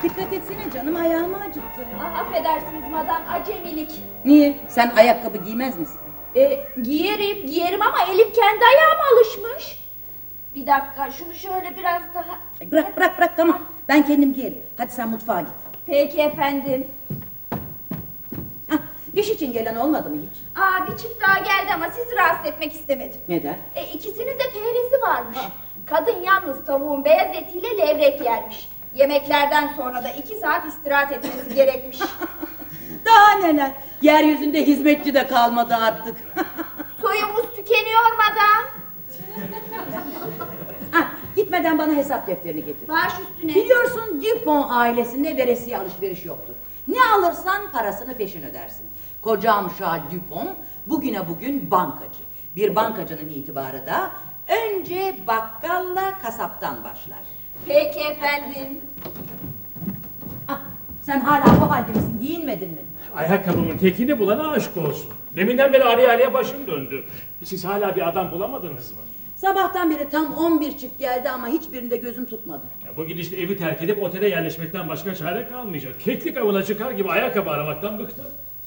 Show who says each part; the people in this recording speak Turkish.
Speaker 1: Dikkat etsene canım, ayağımı acıttı.
Speaker 2: Ah, affedersiniz madam, acemilik.
Speaker 1: Niye? Sen ayakkabı giymez misin?
Speaker 2: Giyerim ama elim kendi ayağıma alışmış. Bir dakika, şunu şöyle biraz daha...
Speaker 1: Bırak tamam. Ben kendim giyerim. Hadi sen mutfağa git.
Speaker 2: Peki efendim.
Speaker 1: Hah, iş için gelen olmadı mı hiç?
Speaker 2: Bir çift daha geldi ama sizi rahatsız etmek istemedim.
Speaker 1: Neden?
Speaker 2: İkisinin de perhizi varmış. Kadın yalnız tavuğun beyaz etiyle levrek yermiş. Yemeklerden sonra da 2 saat istirahat etmesi gerekmiş.
Speaker 1: Daha neler? Yeryüzünde hizmetçi de kalmadı artık.
Speaker 2: Soyumuz tükeniyor madam.
Speaker 1: Gitmeden bana hesap defterini getir.
Speaker 2: Baş üstüne.
Speaker 1: Biliyorsun Dupont ailesinde veresiye alışveriş yoktur. Ne alırsan parasını peşin ödersin. Kocam Charles Dupont bugüne bugün bankacı. Bir bankacının itibarı da önce bakkalla kasaptan başlar.
Speaker 2: Peki efendim.
Speaker 1: Sen hala bu halde misin? Giyinmedin mi?
Speaker 3: Ayakkabımın tekini bulana aşk olsun. Deminden beri araya başım döndü. Siz hala bir adam bulamadınız mı?
Speaker 1: Sabahtan beri tam 11 çift geldi ama hiçbirinde gözüm tutmadı.
Speaker 3: Bu gidişle evi terk edip otele yerleşmekten başka çare kalmayacak. Keklik avına çıkar gibi ayakkabı aramaktan bıktım.